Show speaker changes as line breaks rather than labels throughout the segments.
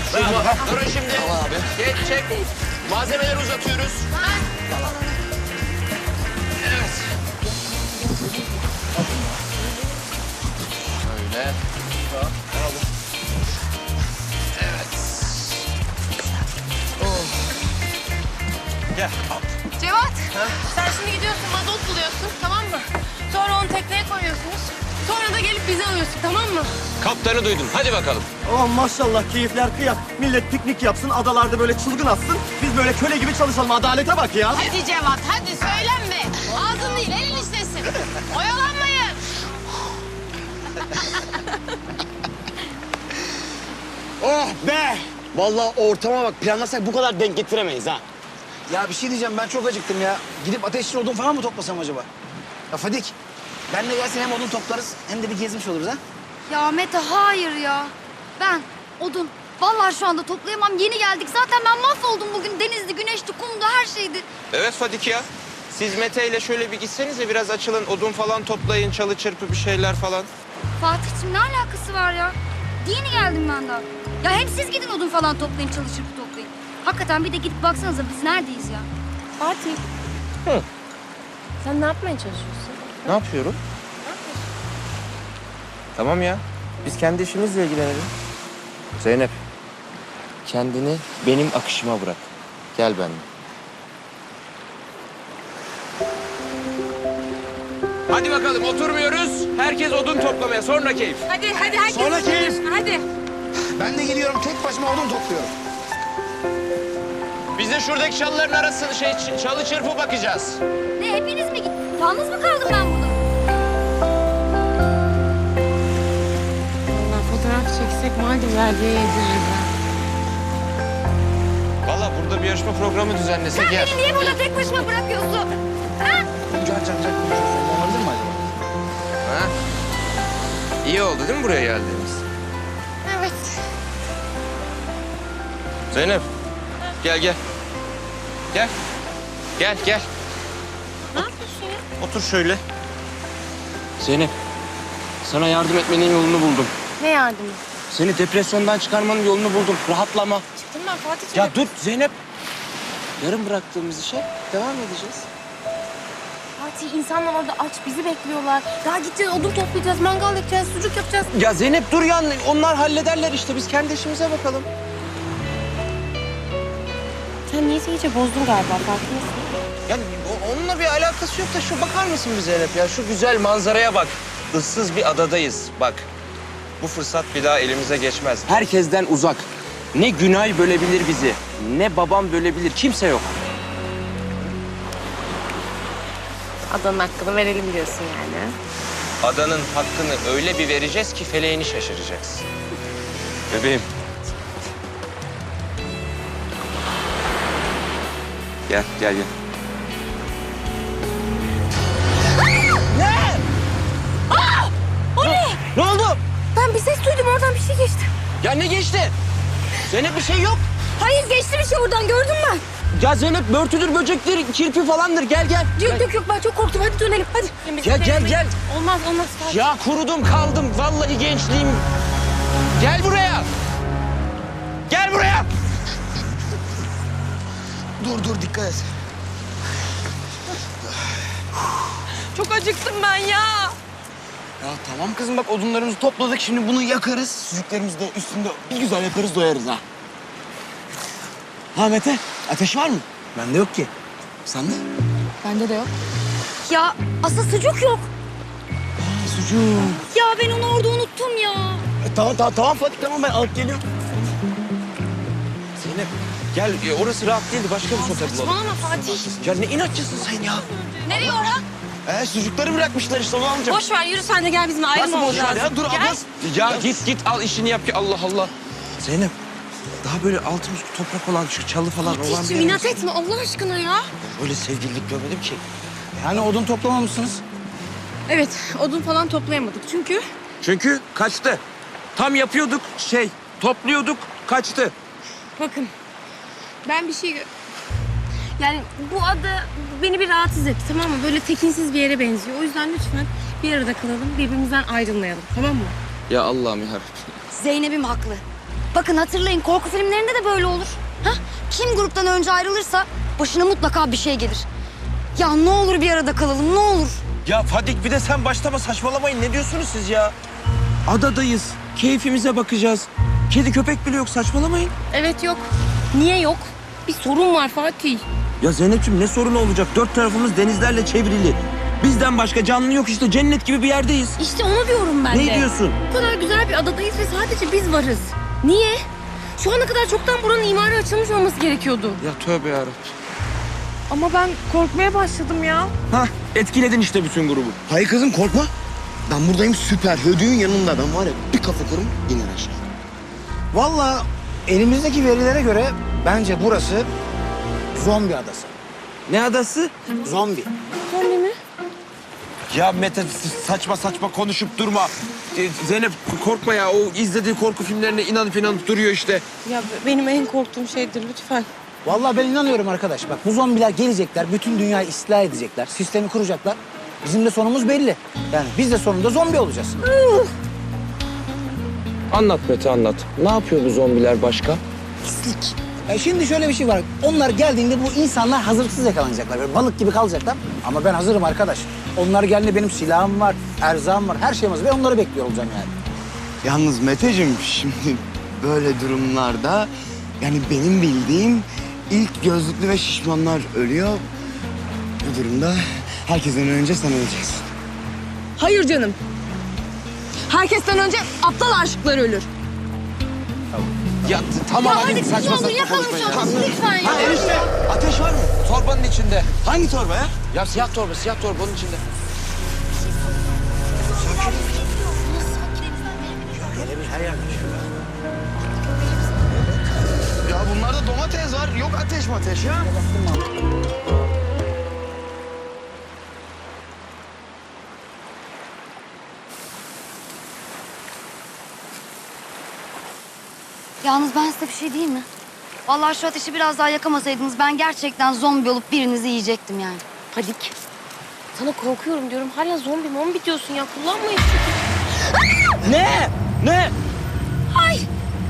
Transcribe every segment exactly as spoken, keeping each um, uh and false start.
Bravo. Durun şimdi. Tamam abi. Geç, çek. Malzemeleri uzatıyoruz. Evet. Şöyle. Evet. Gel.
Cevat, sen şimdi gidiyorsun mazot buluyorsun, tamam mı? Sonra onu tekneye koyuyorsunuz. Sonra da gelip bizi alıyorsun, tamam mı?
Kaptanı duydum. Hadi bakalım.
Aman maşallah keyifler kıyak. Millet piknik yapsın, adalarda böyle çılgın atsın. Biz böyle köle gibi çalışalım. Adalete bak ya.
Hadi Cevat, hadi söylenme. Ağzın değil, elin işlesin. Oyalanmayın.
Oh be! Vallahi ortama bak, planlasak bu kadar denk getiremeyiz ha.
Ya bir şey diyeceğim, ben çok acıktım ya. Gidip ateşli odun falan mı toplasam acaba? Ya Fadik, benle gelsin, hem odun toplarız hem de bir gezmiş oluruz ha.
Ya Mete hayır ya. Ben odun. Vallahi şu anda toplayamam. Yeni geldik. Zaten ben mahvoldum bugün. Denizdi, güneşti, kumdu, her şeydi.
Evet Fadik ya. Siz Mete ile şöyle bir gitsenize biraz açılın. Odun falan toplayın. Çalı çırpı bir şeyler falan.
Fatih'cim ne alakası var ya? Yeni geldim ben daha. Ya hem siz gidin odun falan toplayın, çalışıp toplayın. Hakikaten bir de gidip baksanıza biz neredeyiz ya?
Fatih.
Hı.
Sen ne yapmaya çalışıyorsun?
Ne yapıyorum? Tamam ya. Biz kendi işimizle ilgilenelim. Zeynep. Kendini benim akışıma bırak. Gel benimle. Hadi bakalım oturmuyoruz. Herkes odun toplamaya. Sonra keyif.
Hadi, hadi herkes.
Sonra keyif.
Hadi.
Ben de geliyorum, tek başıma odun topluyorum.
Biz de şuradaki çalıların arasını şey ç- çalı çırpı bakacağız.
Ne hepiniz mi gittiniz? Yalnız mı kaldım ben burada?
Vallahi fotoğraf çeksek Maldivler'de yediririz ha.
Vallahi burada bir yarışma programı düzenlesek
Sen
yer.
beni niye burada tek başıma bırakıyorsun? Ha?
Can can can konuşuyorsun, olabilir mi acaba?
Ha? İyi oldu değil mi buraya geldiğimiz?
Evet.
Zeynep. Gel gel. Gel. Gel gel.
Ne yapıyorsun ya?
Otur şöyle. Zeynep. Sana yardım etmenin yolunu buldum.
Ne yardımı?
Seni depresyondan çıkarmanın yolunu buldum. Rahatlama.
Çıktım ben Fatih'ciğim.
Ya dur Zeynep. Yarım bıraktığımız işe devam edeceğiz.
Fatih, insanlar orada aç, bizi bekliyorlar. Daha gideceğiz, odun toplayacağız, mangal yapacağız, sucuk yapacağız.
Ya Zeynep dur ya. Onlar hallederler işte. Biz kendi işimize bakalım.
Sen niyeyse iyice bozdun galiba, farkındasın.
Yani o- onunla bir alakası yok da şu bakar mısın bir Zeynep ya? Şu güzel manzaraya bak. Issız bir adadayız. Bak. Bu fırsat bir daha elimize geçmez. Herkesten uzak. Ne Günay bölebilir bizi, ne babam bölebilir. Kimse yok.
Adanın hakkını verelim diyorsun yani.
Adanın hakkını öyle bir vereceğiz ki feleğini şaşıracaksın. Bebeğim. Gel, gel, gel. Ne oldu?
Ben bir ses duydum, oradan bir şey geçti.
Ya ne geçti? Zeynep bir şey yok.
Hayır geçti bir şey oradan gördüm ben.
Ya Zeynep börtüdür, böcektir, kirpi falandır. Gel gel.
Yok yok yok, ben çok korktum, hadi dönelim, hadi.
Gel, gel, gel.
Olmaz olmaz Fatih.
Ya kurudum kaldım. Vallahi gençliğim. Gel buraya. Gel buraya.
Dur dur, dikkat et.
Çok acıktım ben ya.
Ya tamam kızım, bak odunlarımızı topladık, şimdi bunu yakarız. Sucuklarımızı da üstünde bir güzel yaparız, doyarız ha. Ha Mete, ateş var mı?
Bende yok ki.
Sende?
Bende de yok.
Ya asıl sucuk yok.
Ha, sucuk.
Ya ben onu orada unuttum ya.
E, tamam tamam tamam Fatih, tamam ben alıp geliyorum.
Zeynep gel. E, orası rahat değildi. Başka bir sote bulalım.
Saçmalama Fatih.
Ya ne inatçısın sen ya.
Nereye Orhan?
Ee, sucukları bırakmışlar işte, onu alacağım.
Boş ver, yürü sen de gel, bizim ayrılmamız
Nasıl boş ver
lazım.
ya? Dur
Gel.
ablası.
Ya git git al işini yap ki Allah Allah. Zeynep daha böyle altımız toprak olan şu çalı falan olan bir
Fatih'ciğim
yer.
inat etme Allah aşkına ya.
Öyle sevgililik görmedim ki.
Yani odun toplamamışsınız.
Evet, odun falan toplayamadık çünkü...
Çünkü kaçtı. Tam yapıyorduk şey topluyorduk kaçtı.
Bakın, ben bir şey... gö- Yani bu ada beni bir rahatsız etti, tamam mı? Böyle tekinsiz bir yere benziyor. O yüzden lütfen bir arada kalalım, birbirimizden ayrılmayalım, tamam mı?
Ya Allah'ım ya.
Zeynep'im haklı. Bakın hatırlayın, korku filmlerinde de böyle olur. Ha? Kim gruptan önce ayrılırsa başına mutlaka bir şey gelir. Ya ne olur bir arada kalalım, ne olur.
Ya Fadik bir de sen başlama, saçmalamayın. Ne diyorsunuz siz ya? Adadayız. Keyfimize bakacağız. Kedi köpek bile yok, saçmalamayın.
Evet yok. Niye yok? Bir sorun var Fatih.
Ya Zeynep'ciğim ne sorunu olacak? Dört tarafımız denizlerle çevrili. Bizden başka canlı yok işte. Cennet gibi bir yerdeyiz.
İşte onu diyorum ben de.
Ne diyorsun?
Bu kadar güzel bir adadayız ve sadece biz varız. Niye? Şu ana kadar çoktan buranın imarı açılmış olması gerekiyordu.
Ya tövbe yarabbim.
Ama ben korkmaya başladım ya.
Hah, etkiledin işte bütün grubu.
Hayır kızım korkma. Ben buradayım süper. Hödüğün yanında ben var ya bir kafa kurum iner aşağı.
Vallahi elimizdeki verilere göre bence burası zombi adası.
Ne adası?
Zombi.
Zombi mi?
Ya Mete saçma saçma konuşup durma. Ee, Zeynep korkma ya. O izlediği korku filmlerine inanıp inanıp duruyor işte.
Ya benim en korktuğum şeydir lütfen.
Vallahi ben inanıyorum arkadaş. Bak bu zombiler gelecekler, bütün dünyayı istila edecekler, sistemi kuracaklar. Bizim de sonumuz belli. Yani biz de sonunda zombi olacağız.
Anlat Mete anlat. Ne yapıyor bu zombiler başka?
Pislik. Ya şimdi şöyle bir şey var. Onlar geldiğinde bu insanlar hazırlıksız yakalanacaklar. Böyle balık gibi kalacaklar. Ama ben hazırım arkadaş. Onlar geldiğinde benim silahım var, erzağım var, her şeyim hazır. Ve onları bekliyor olacağım yani.
Yalnız Meteciğim şimdi böyle durumlarda yani benim bildiğim ilk gözlüklü ve şişmanlar ölüyor. Bu durumda herkesten önce sen öleceksin.
Hayır canım. Herkesten önce aptal aşıklar ölür.
Ya t- tamam
Ya
hadi
hadi
saçma
ne olur
saçma
yakalım
konuşmayın
şu
ya.
adamı lütfen ya.
Ha enişte ateş var mı? Torbanın içinde.
Hangi torba ya?
Ya siyah torba, siyah torba onun içinde.
Ya bunlarda domates var. Yok ateş mateş ya.
Yalnız ben size bir şey diyeyim mi? Vallahi şu ateşi biraz daha yakamasaydınız ben gerçekten zombi olup birinizi yiyecektim yani.
Fadik. Sana korkuyorum diyorum. Hala zombi mombi diyorsun ya. Kullanma işte.
Ne? Ne?
Ay!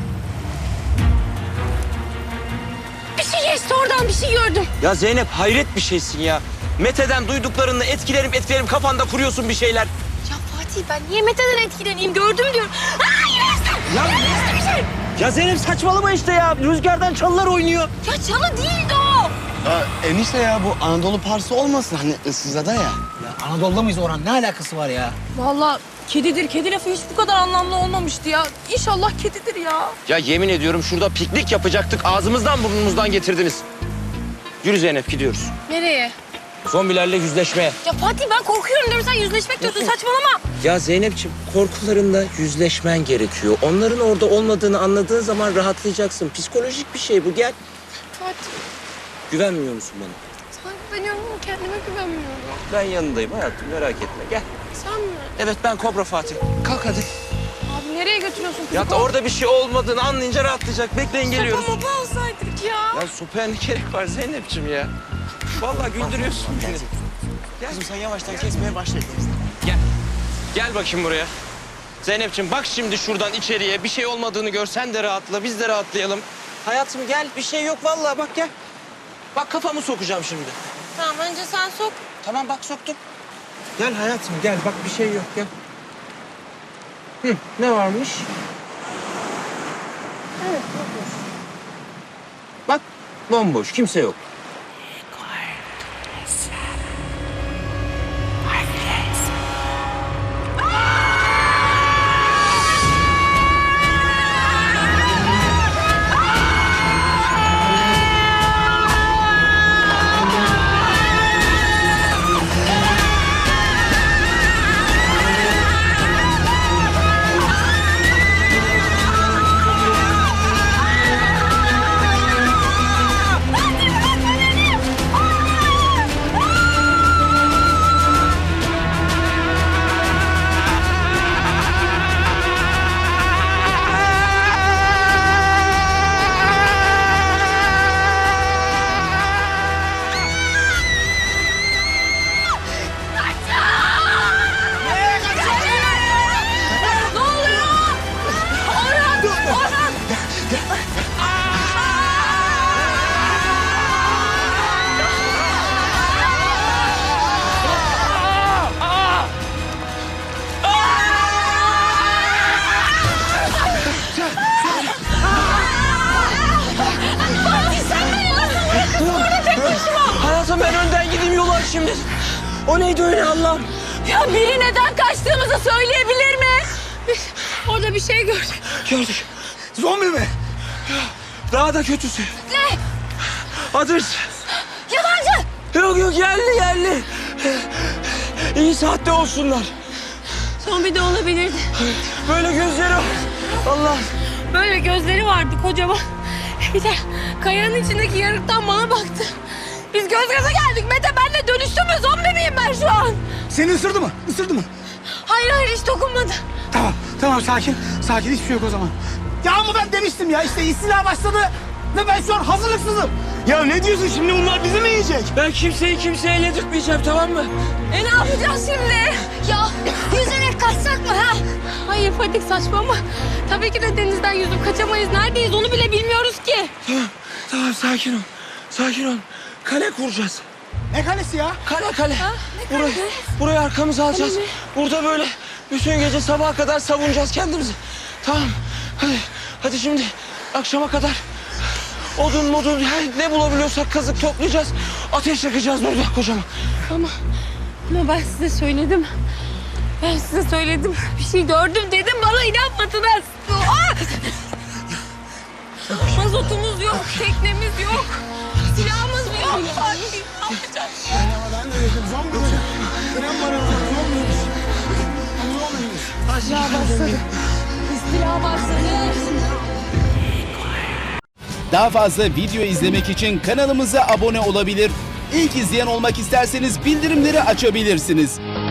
Bir şey geçti oradan bir şey gördüm.
Ya Zeynep hayret bir şeysin ya. Mete'den duyduklarını etkilerim etkilerim kafanda kuruyorsun bir şeyler.
Ya Fatih ben niye Mete'den etkileneyim gördüm diyorum. Aa yine
Ya,
bir şey.
ya Zeynep saçmalama işte ya. Rüzgardan çalılar oynuyor.
Ya çalı değildi o.
Ya enişte ya bu Anadolu Parsı olmasın hani ıssızada ya.
Ya Anadolu'da mıyız Orhan? Ne alakası var ya?
Vallahi kedidir. Kedi lafı hiç bu kadar anlamlı olmamıştı ya. İnşallah kedidir ya.
Ya yemin ediyorum şurada piknik yapacaktık. Ağzımızdan burnumuzdan getirdiniz. Yürü Zeynep gidiyoruz.
Nereye?
Zombilerle yüzleşmeye.
Ya Fatih ben korkuyorum diyorum. Sen yüzleşmek diyorsun. Saçmalama.
Ya Zeynep'ciğim korkularınla yüzleşmen gerekiyor. Onların orada olmadığını anladığın zaman rahatlayacaksın. Psikolojik bir şey bu gel.
Fatih
Güvenmiyor musun bana?
sana güveniyorum ama kendime güvenmiyorum.
Ben yanındayım hayatım merak etme gel.
Sen mi?
Evet ben Kobra Fatih. Kalk hadi.
Abi nereye götürüyorsun kızı?
Ya da orada bir şey olmadığını anlayınca rahatlayacak. Bekleyin geliyoruz.
Sopa mopa alsaydık ya.
Ya sopaya ne gerek var Zeynep'ciğim ya? Vallahi güldürüyorsun beni. Gel.
Kızım sen yavaştan kesmeye başla.
Gel. Gel bakayım buraya. Zeynep'ciğim bak şimdi şuradan içeriye. Bir şey olmadığını görsen de rahatla. Biz de rahatlayalım. Hayatım gel. Bir şey yok vallahi bak gel. Bak kafamı sokacağım şimdi.
Tamam önce sen sok.
Tamam bak soktum. Gel hayatım gel. Bak bir şey yok gel. Hı, ne varmış? Evet bomboş. Bak bomboş. Kimse yok.
Fatih
şimdi? O neydi öyle Allah'ım?
Ya biri neden kaçtığımızı söyleyebilir mi? Biz orada bir şey gördük.
Gördük.
Zombi mi?
Daha da kötüsü.
Ne?
Adres.
Yabancı!
Yok yok yerli yerli. İyi saatte olsunlar.
Zombi de olabilirdi.
Böyle gözleri var. Allah.
Böyle gözleri vardı kocaman. Bir de kayanın içindeki yarıktan bana baktı. Biz göz göze geldik. Mete benle dönüştü mü? Zombi miyim ben şu an?
Seni ısırdı mı? Isırdı mı?
Hayır hayır hiç dokunmadı.
Tamam, tamam sakin. Sakin, hiçbir şey yok o zaman. Ya ama ben demiştim ya, işte istila başladı ve ben şu an hazırlıksızım.
Ya ne diyorsun şimdi, bunlar bizi mi yiyecek?
Ben kimseyi kimseye yedirtmeyeceğim, tamam mı?
E ne yapacağız şimdi?
Ya yüzerek kaçsak mı ha?
Hayır Fatih saçmalama. Tabii ki de denizden yüzüp kaçamayız. Neredeyiz onu bile bilmiyoruz ki.
Tamam, tamam sakin ol. Sakin ol. Kale kuracağız.
Ne kalesi ya?
Kale kale. Burayı, burayı arkamıza alacağız. Burada böyle bütün gece sabaha kadar savunacağız kendimizi. Tamam. Hadi, hadi şimdi akşama kadar odun modun her ne bulabiliyorsak kazık toplayacağız. Ateş yakacağız burada kocaman.
Ama, ama ben size söyledim. Ben size söyledim. Bir şey gördüm dedim bana inanmadınız. Aa! Mazotumuz yok, teknemiz yok. Silahımız yok. Fatih ne yapacağız?
Ama ben de dedim, zombi mi? İnan bana, zombiymiş. Zombiymiş.
İstila başladı. İstila başladı.
Daha fazla video izlemek için kanalımıza abone olabilir. İlk izleyen olmak isterseniz bildirimleri açabilirsiniz.